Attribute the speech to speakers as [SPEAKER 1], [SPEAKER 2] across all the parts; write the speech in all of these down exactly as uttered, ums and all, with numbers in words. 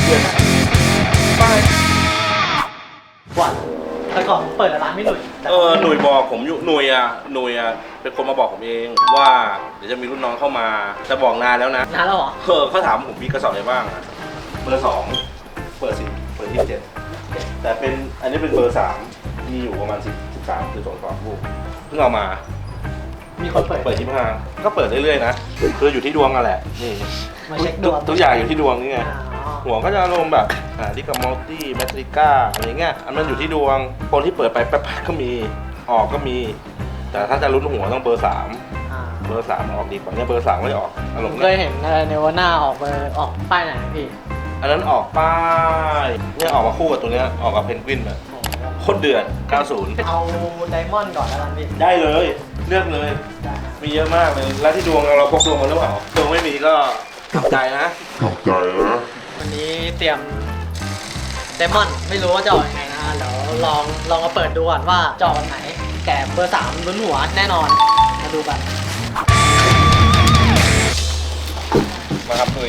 [SPEAKER 1] เดือนไป
[SPEAKER 2] ก่อนแต่ก่อนผมเปิดร้านไม่หลุย
[SPEAKER 1] เออหน่วยบอกผมอยู่หน่วยอ่ะหน่วยอ่ะเป็นคนมาบอกผมเองว่าเดี๋ยวจะมีรุ่นน้องเข้ามาจะบอกนานแล้วนะ
[SPEAKER 2] นานแล้วเหรอ
[SPEAKER 1] เออเขาถามผมมีกระสอบอะไรบ้างอ่ะเบอร์สองเปิดสิเปิดที่เจ็ดแต่เป็นอันนี้เป็นเบอร์สามมีอยู่ประมาณสิบสิบสามคือสองสองลูกเพิ่งเอามา
[SPEAKER 2] มีคนเปิด
[SPEAKER 1] เปิดยี่สิบห้าก็เปิดเรื่อยๆนะคืออยู่ที่ดวงกันแหละนี่
[SPEAKER 2] มาเช็คดวง
[SPEAKER 1] ทุกอย่างอยู่ที่ดวงนี่ไงหัวก็จะอารมณ์แบบอ่าดิกามัลตี้แมทริก้าอะไรเงี้ยอันนั้นอยู่ที่ดวงคนที่เปิดไปแป๊บๆก็มีออกก็มี แต่ถ้าจะลุ้นหัวต้องเบอร์สามเบอร์สามออกดีกว่าเนี่ยเบอร์สามไม่ออกอารมณ์
[SPEAKER 2] เคยเห็นเนวาน่าออกเบอร์ออกป้ายไหนพี่
[SPEAKER 1] อันนั้นออกป้ายเนี่ยออกมาคู่กับตัวเนี้ยออกกับเพนกวินอะโคตรเดือดเก้าสิบ
[SPEAKER 2] เอาไดมอนด์ก่อนแล้วกันพี่
[SPEAKER 1] ได้เลยเลือกเลยมีเยอะมากเลยแล้วที่ดวงเราพกดวงมาหรือเปล่าดวงไม่มีก็ขับใจนะ
[SPEAKER 3] ขับใจนะ
[SPEAKER 2] วันนี้เตรียมไดมอนด์ไม่รู้ว่าจะออกยังไงนะเดี๋ยวลองลองมาเปิดดูก่อนว่าจะออกไหนแต่เบอร์สามลุ้นหัวแน่นอนมาดูกัน
[SPEAKER 4] มาครับคุย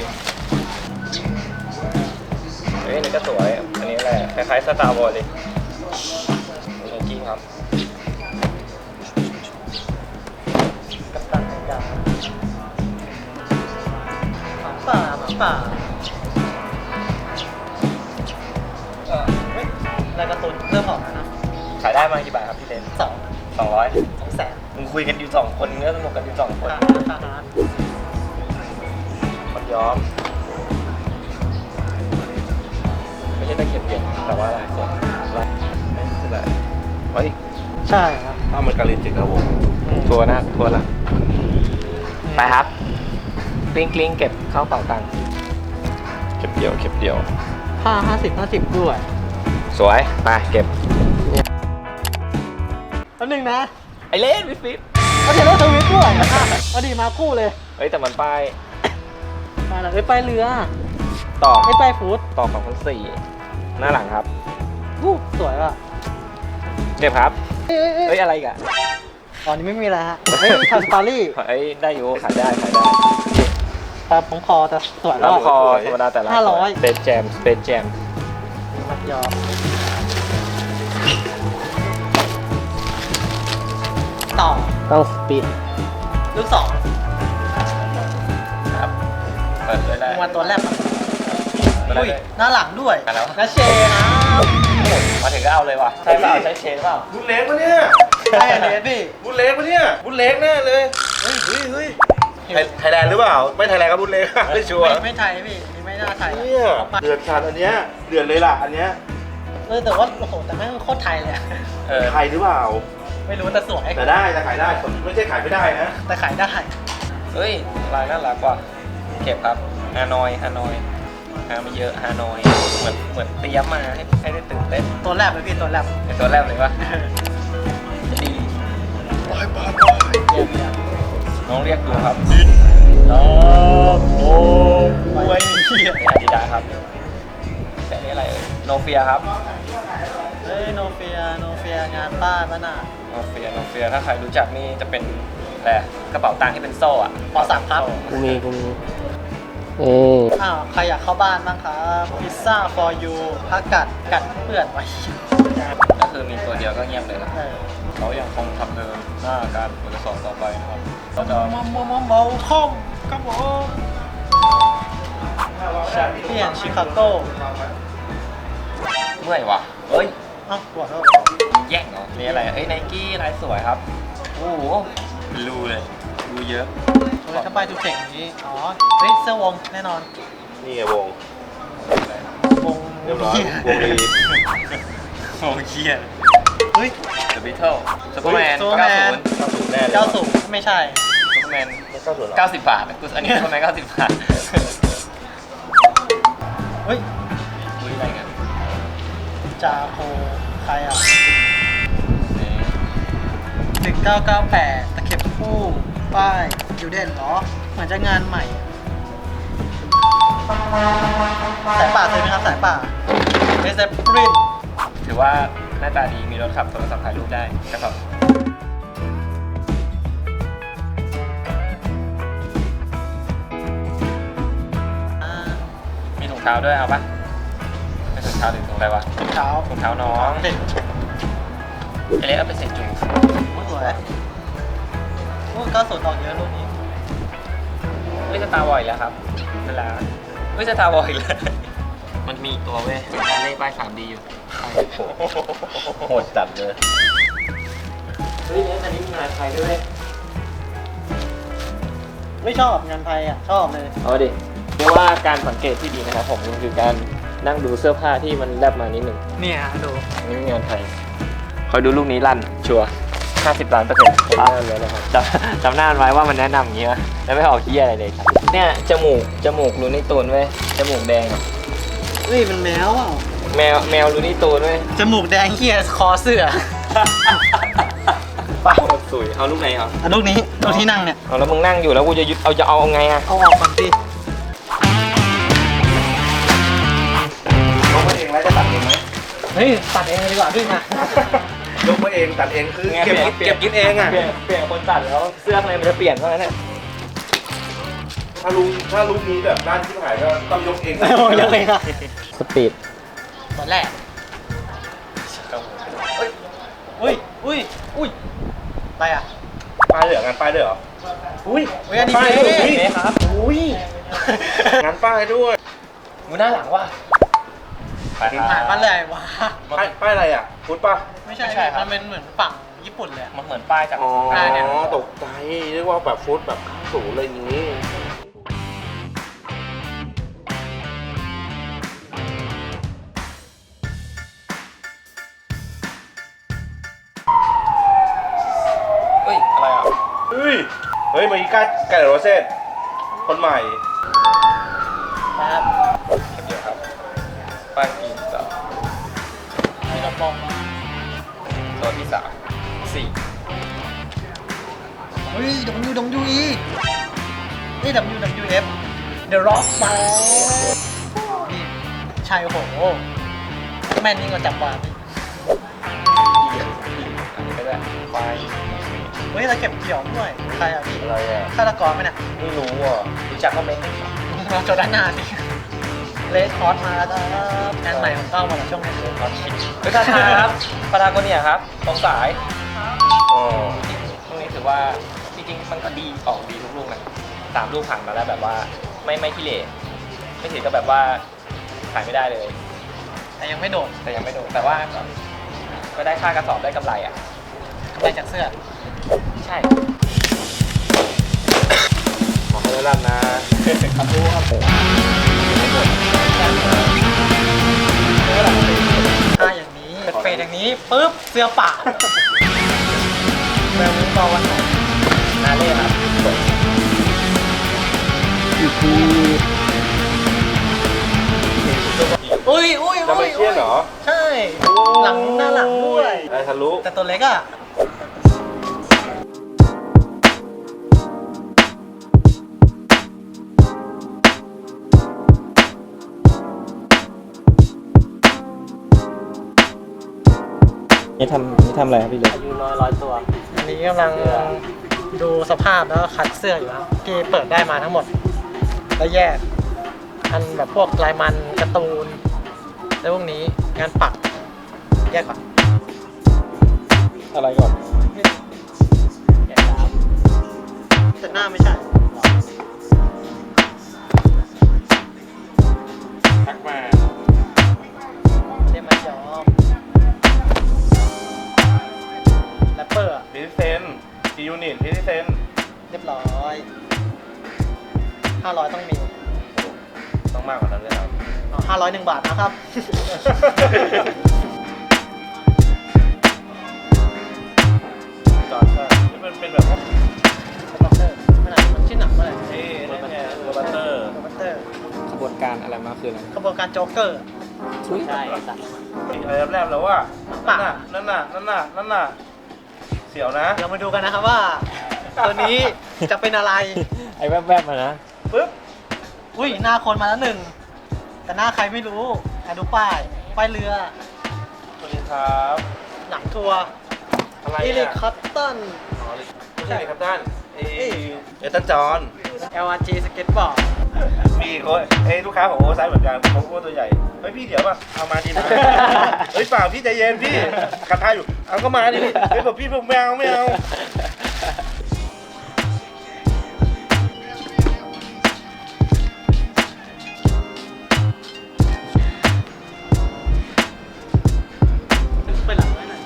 [SPEAKER 4] เฮ้ยนี่ก็สวยอันนี้แหละคล้ายๆสตาร์วอร์เลยโอเคครับ
[SPEAKER 2] กัปตันอเมริกาหมาป่าหมาป่าเออเฮ้ยรายการ์ตูนเริ่มออกแล้วนะ
[SPEAKER 4] ขายได้มากี่บาทครับพี่เต้น
[SPEAKER 2] สอง
[SPEAKER 4] สองร้อย
[SPEAKER 2] สองแสน
[SPEAKER 4] มึงคุยกันอยู่สองคนก็สนุกกันอยู่สองคนคนย้อมไม่ใช่ตะเข็บเย็นแต่ว่าอะไรส่วนอะไรไม่ใช่อะไรเฮ้ย
[SPEAKER 2] ใช่ครับ
[SPEAKER 1] ถ้ามันการินจิกครับผม
[SPEAKER 4] ทัวร์นะทัวร์ละไปครับกลิ้งกลิ้งเก็บเข้าเป๋าตังค์เก็บเดียวเก็บเดียว
[SPEAKER 2] ผ้าห้าสิบห้าสิบด้วย
[SPEAKER 4] สวยไปเก็บ
[SPEAKER 2] อันหนึ่งนะ
[SPEAKER 4] ไอเล่นวิฟิป
[SPEAKER 2] เอาเทเลอร์ทวิตด้วยเอาดีมาคู่เลย
[SPEAKER 4] เฮ้ยแต่มันป้าย
[SPEAKER 2] มาหลังไอ้ป้ายเรือ
[SPEAKER 4] ต่อ
[SPEAKER 2] ไอ้ป้ายฟูด
[SPEAKER 4] ต่อของคนสี่หน้าหลังครับ
[SPEAKER 2] วู้สวยอ่ะ
[SPEAKER 4] เก็บครับเฮ้ยอะไรกัน
[SPEAKER 2] ตอนนี้ไม่มีแล้วฮะเฮ้ยทำสตอรี่
[SPEAKER 4] เฮ้ยได้อยู่ขายได้ขายได้
[SPEAKER 2] แต่ผมคอจะสวย
[SPEAKER 4] แล้วคอธรรมดาแต่ละ
[SPEAKER 2] ห้าร้อย
[SPEAKER 4] เป็นแจมเป็นแจม
[SPEAKER 2] มัดยอต่อ
[SPEAKER 4] ต้องสปีด
[SPEAKER 2] ลูกสอง
[SPEAKER 4] ครับเปิดเลยได้
[SPEAKER 2] วันตัวแรกอุ้ยหน้าหลังด้วยนะเชนะ
[SPEAKER 4] มาถึงก็เอาเลยว่ะใช่เปล่าใช้เชนเปล่า
[SPEAKER 1] บุญเล็กปะเนี่ย
[SPEAKER 2] ใช่เลสพี่
[SPEAKER 1] บุญเล็กปะเนี่ยบุญเล็กแน่เลยเฮ้ยเฮ้ยเฮ้ยไทยแลนด์หรือเปล่าไม่ไทยแลนด์ก็บุญเล็กไม่ชัวร์
[SPEAKER 2] ไม่ไทยพี่นี่ไม่น่าไทย
[SPEAKER 1] เนี่ยเดือดขาดอันเนี้ยเดือดเลยล่ะอันเนี้ย
[SPEAKER 2] เออแต่ว่าโอ้โหแต่แม่งโคตรไทยเลย
[SPEAKER 1] ไทยหรือเปล่า
[SPEAKER 2] ไม่รู้แต่สวย
[SPEAKER 1] แต่ได้แต่ขายได้ไม่ใช่ขายไม่ได้นะ
[SPEAKER 2] แต่ขายได้
[SPEAKER 4] เฮ้ยลายน่ารักกว่าเก็บครับฮานอยฮานอยฮาไม่เยอะฮานอยเหมือนเหมือนเตรียมมาให้ให้ได้ตื่นเต้น
[SPEAKER 2] ตัวแรกเลยพี่ตัวแรก
[SPEAKER 4] เป็นตัวแรกเลยวะดี
[SPEAKER 1] บายบายบาย
[SPEAKER 2] เยี่ยมเยี่ยม
[SPEAKER 4] น้องเรียกดูครับ
[SPEAKER 1] ดิน
[SPEAKER 2] น้องโอ้ยเฮีย
[SPEAKER 4] อาดิดาครับแต่นี่อะไรเอ่ยโนเฟียครับ
[SPEAKER 2] เฮ้ยโนเฟียโนเฟียงานป้าบ้าน่ะ
[SPEAKER 4] โนเฟียโนเฟียถ้าใครรู้จักนี่จะเป็นอะไรกระเป๋าตังค์ที่เป็นโซ่อะ
[SPEAKER 2] พอสามครับ
[SPEAKER 4] กูมีกูมี
[SPEAKER 2] เอออ้าวใครอยากเข้าบ้านบ้างครับพิซซ่า for you ผักกัดกัดเปื่อนไว้
[SPEAKER 4] ก็คือมีตัวเดียวก็เงียบเลยนะเขายังคงทำเดินหน้าการเปิดสอนต่อไปนะครับเราจะ
[SPEAKER 2] มอมมอมเบาคอมครับผมแชมเปี้ยนชิคาโก้
[SPEAKER 4] เมื่อยวะเฮ้ย
[SPEAKER 2] อ้าวปวดแล้ว
[SPEAKER 4] แย่งเหรอนี่อะไรเอ้ยไนกี้ลายสวยครับโอ้โหรูเลยรูเยอะ
[SPEAKER 2] เลยถ้าไปดูเจ๋งนี้อ๋อเฮ้ยเสื้อวงแน่นอน
[SPEAKER 1] นี่ไงวง
[SPEAKER 2] วง
[SPEAKER 1] เรียบร้อยวงดี
[SPEAKER 4] วงเคียร์
[SPEAKER 2] เฮ้ย
[SPEAKER 4] The Beatles ซูเปอร์แมนเก้าสิบ
[SPEAKER 1] เก้าสิบแน่เลย
[SPEAKER 2] เก้าสิบไม่ใช่
[SPEAKER 4] ซูเปอร์แมนเก้าสิบเก้าสิบบาทกูอันนี้ซูเปอร์แมนเก้าสิบบาท
[SPEAKER 2] เฮ้ย
[SPEAKER 4] อุ้ยอะไรกัน
[SPEAKER 2] จาโคใครอ่ะหนึ่งเก้าเก้าแปดตะเข็บคู่ป้ายยูเดนเหรอเหมือนจะงานใหม่สายป่าเคยไหมครับสายป่าเอสเอฟริน
[SPEAKER 4] ถือว่าหน้าตาดีมีรถขับโทรศัพท์ถ่ายรูปได้กระสอบมีถุงเท้าด้วยเอาปะเป็นถุงเท้าหรือถุงอะไรวะ
[SPEAKER 2] เท้า
[SPEAKER 4] ถุงเท้าน้อง
[SPEAKER 2] เด็ก
[SPEAKER 4] ไอเล็กเอาไปใส่จุง
[SPEAKER 2] สวยโอ้ก็สดออกเยอะรุ่นนี้
[SPEAKER 4] เฮ้ยสตาร์วอยแล้วครับเวลาเฮ้ยสตาร์วอยแล้วมันมีอีกตัวเว้ยเล่ป้าย สามดี อยู่
[SPEAKER 1] โหดจัดเลย
[SPEAKER 2] เฮ้ยอันนี้มีงานไทยด้วยไม่ชอบงานไทยอ่ะชอบเลย
[SPEAKER 4] เอาดิเรียกว่าการสังเกตที่ดีนะครับผมมันคือการนั่งดูเสื้อผ้าที่มันแลบมานิดหนึ่ง
[SPEAKER 2] เนี่ยดู
[SPEAKER 4] นี่งานไทยคอยดูลูกนี้ลั่นชัวร์ห้าสิบล้านเปอร์เซ็นต์ผมแน่นเลยนะครับจำจำหน้ามันไว้ว่ามันแนะนำอย่างนี้วะแล้วไม่ออกขี้อะไรเลยครับเนี่ยจมูกจมูกรูนี่ตูนเว้ยจมูกแดงอะ
[SPEAKER 2] เฮ้ยมันแมวอ่ะ
[SPEAKER 4] แมวแมวรูนี่ตูนเว้ย
[SPEAKER 2] จมูกแดงเฮียคอเสื้อ
[SPEAKER 4] ป้าสวยเอาลูกไหนเอา
[SPEAKER 2] อ่ะลูกนี้ลูกที่นั่งเนี่ย
[SPEAKER 4] เอาแล้วมึงนั่งอยู่แล้วกูจะยึดเอาจะเอาไงอะ
[SPEAKER 2] เอาออกก่อนสิ
[SPEAKER 1] ยกมาเองแล้วจะตัดเองไหม
[SPEAKER 2] เฮ้ยตัดเองเลยดีกว่าพี่มาย
[SPEAKER 1] กมาเองตัดเองคือเก็บเก็บกินเองอ่ะ
[SPEAKER 4] เปลี่ยนเปลี่ยนคนตัดแล้วเสื้อข้างในมันจะเปลี่ยนเพราะงั้นเนี่ย
[SPEAKER 1] ถ้าลุงถ้าลุงนี้แบบด้านที่หายก็ต้องยกเอง
[SPEAKER 2] โอ้ยยังไงล่ะ
[SPEAKER 4] สปีด
[SPEAKER 2] ตอนแรกเฮ้ยอุ้ยอุ้ยอุ้ยอะไรอ่ะ
[SPEAKER 1] ป้ายเหลืองงานป้ายด้วยเหรอ อุ้ย
[SPEAKER 2] เฮ้ยอันนี้
[SPEAKER 1] ป้าย
[SPEAKER 2] เท่
[SPEAKER 1] ด้วย
[SPEAKER 4] เอ๊ะครับ
[SPEAKER 2] อุ้ย
[SPEAKER 1] งานป้ายด้วย
[SPEAKER 4] กูหน้าหลังว่ะไปค
[SPEAKER 2] ผ่าน
[SPEAKER 4] รับ
[SPEAKER 2] มาเลยวะ
[SPEAKER 1] ป้ายป้ายอะไรอ่ะพุทธป่ะ
[SPEAKER 2] ไม่ใช่มันเป็นเหมือนฝั่งญี่ปุ่นเลย
[SPEAKER 4] มันเหมือนป้ายจาก
[SPEAKER 1] อ๋อ
[SPEAKER 2] ป้ายเนี่ย
[SPEAKER 1] ตกใจเรียกว่าแบบฟุตแบบสูงอะไรอย่างนี้
[SPEAKER 4] เฮ้ยอะไรอ่ะ
[SPEAKER 1] เฮ้ย เฮ้ยมาอีก้าแกลโรเซตคนใหม่
[SPEAKER 2] ครับ
[SPEAKER 4] เดี๋ยวครับป้ายกินต่อ
[SPEAKER 2] มีกระป๋อง
[SPEAKER 4] ตัวที่สามสี่
[SPEAKER 2] เฮ้ย W W E นี่ W W F The Rock มานี่ชายโอ้โหแม่นยิ่งกว่าจับวางอีก
[SPEAKER 4] อันนี้ก็ได้ไฟ
[SPEAKER 2] เฮ้ยเราเก็บเกี่ยวด้วยใครอ่ะพี่
[SPEAKER 1] อะไรอ่ะ
[SPEAKER 2] ฆาตกรไหมเนี่ย
[SPEAKER 1] ไม่รู้อ่ะ
[SPEAKER 4] รู้จักก็เม้น
[SPEAKER 2] มาโจด้านหน้าสิเลสคอร์สมาแล้วครับงานใหม่ของเต้ามาแล้วช่วงนี้
[SPEAKER 4] คอชิเฮ้ยท่านครับปาราโกเนียครับตรงสาย
[SPEAKER 1] อ๋อ
[SPEAKER 4] ลูกนี้ถือว่าจริงๆมันก็ดีออกดีทุกลูกนะสามลูกผ่านมาแล้วแบบว่าไม่ไม่ขี้เหร่ไม่ถือก็แบบว่าขายไม่ได้เลย
[SPEAKER 2] แต่ยังไม่โดด
[SPEAKER 4] แต่ยังไม่โดนแต่ว่าก็ก็ได้ค่ากระสอบได้กำไรอ่ะ
[SPEAKER 2] กำไรจากเสื้อ
[SPEAKER 4] ใช่
[SPEAKER 1] ขอให้ได้รับนะครับ
[SPEAKER 4] รู้ครับผม
[SPEAKER 2] ถ้าอย่างนี้เป็นเฟสอย่างนี้ปุ๊บเสื้อป่าแบบนี้ต่อวันไหน
[SPEAKER 4] นาเล่ครับอีกที
[SPEAKER 2] อุ้ยอุ้ย
[SPEAKER 1] จะไม่เชี่ยนเหรอ
[SPEAKER 2] ใช่ หลังหน้าหลังด้วย
[SPEAKER 1] ได้ทะลุ
[SPEAKER 2] แต่ตัวเล็กอ่ะ
[SPEAKER 4] นี่ทำนี่ทำอะไรครับพี่เล็ก
[SPEAKER 2] อายุน้อยร้อยตัว อันนี้กำลังดูสภาพแล้วก็คัดเสื้ออยู่ครับที่เปิดได้มาทั้งหมด แล้วแยก อันแบบพวกลายมันการ์ตูนแล้วพวกนี้งานปัก แยกก่อน
[SPEAKER 4] อะไรก่อน
[SPEAKER 2] แยกครับแต่หน้าไม่ใช่
[SPEAKER 1] ทักมา
[SPEAKER 2] เรียกมายอมแรปเปอร์อะ
[SPEAKER 1] พิเซนทียูนิตพิเซน
[SPEAKER 2] เรียบร้อยห้าร้อยต้องมี
[SPEAKER 1] ต้องมากกว่านั้นเลยครับ
[SPEAKER 2] ห้าร้อยหนึ่งบาทนะครับ
[SPEAKER 1] จอดก็นี่มันเป็นแบบว่า
[SPEAKER 2] สต็อกเตอร์ขนาดมันชื่อหนังว่าอะไร
[SPEAKER 1] เอ๊ะนั่นไงโรบัตเตอร์
[SPEAKER 2] โรบัตเตอร์
[SPEAKER 4] ขบวนการอะไรมาคืออะไร
[SPEAKER 2] ขบวนการโจ๊กเกอร์ ใช่สัตว์
[SPEAKER 1] อะไรแรบๆแล้วว่า
[SPEAKER 2] ปาก
[SPEAKER 1] นั่นน่ะนั่นน่ะนั่นน่ะเสียวนะ
[SPEAKER 2] เรามาดูกันนะครับว่า ตัวนี้จะเป็นอะไร
[SPEAKER 4] ไอ้แวบๆมานะ
[SPEAKER 2] ปึ๊บ อุ้ยหน้าคนมาแล้วหนึ่ง แต่หน้าใครไม่รู้อ่ะดูป้าย ป้ายเรือ
[SPEAKER 1] สวัสดีครับ
[SPEAKER 2] หนังทัวร์
[SPEAKER 1] อะไร
[SPEAKER 2] อีลิ
[SPEAKER 1] อ่ะ
[SPEAKER 2] คัตตัน
[SPEAKER 1] อ๋อไม่ใช่ครับท่านเอเอตันจอน
[SPEAKER 2] แอล อาร์ จี สเก็ตบอร์ด
[SPEAKER 1] มีคนเอ้ยลูกค้าของโอเวอร์ไซส์เหมือนกันเขาก็ตัวใหญ่เฮ้ยพี่เดี๋ยวป่ะเอามาดิมาเฮ้ยเปล่าพี่ใจเย็นพี่กระทาอยู่เอาก็มาดิพี่เฮ้ยแบบพี่ไม่เอาไม่เอา
[SPEAKER 2] ไปหลังไว้หน่อย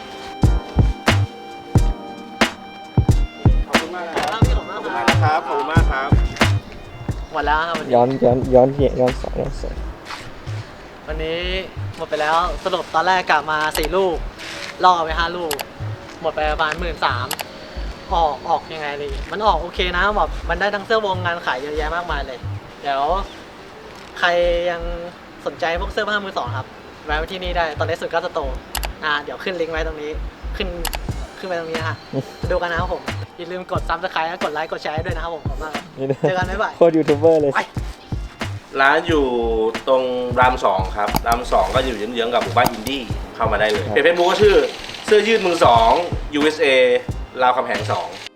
[SPEAKER 1] ขอบคุณมากนะครับ
[SPEAKER 2] ครับพี่ขอบคุณมาก
[SPEAKER 1] ขอบคุณมากครับขอบคุณมากครับ
[SPEAKER 2] หมดแล้วครับวันนี้
[SPEAKER 4] ย้อนย้อนย้อนเหย้อนสองย้อนสอง
[SPEAKER 2] วันนี้หมดไปแล้วสรุปตอนแรกกลับมาสี่ลูกล่อไปห้าลูก หมดไปประมาณหมื่นสามออกออกยังไงดีมันออกโอเคนะแบบมันได้ทั้งเสื้อวงงานขายเยอะแยะมากมายเลย เดี๋ยวใครยังสนใจพวกเสื้อผ้ามือสองครับแวะไปที่นี่ได้ตอนนี้สุดก็สโตร์อ่าเดี๋ยวขึ้นลิงก์ไว้ตรงนี้ขึ้นขึ้นไปตรงนี้นะฮะไปดูกันนะครับผมอย่าลืมกดซับสไครต์และกดไลค์กดแชร์ให้ด้วยนะครับผมขอบคุณมากครับเจอกันบ๊ายบาย
[SPEAKER 4] โคตรยูทูบเบอร์เลย
[SPEAKER 2] ไป
[SPEAKER 1] ร้านอยู่ตรงรามสองครับรามสองก็อยู่เยื้องๆกับหมู่บ้านอินดี้เข้ามาได้เลยเพจเฟซบุ๊กก็ชื่อเสื้อยืดมือสอง ยู เอส เอ ราวคำแหงสอง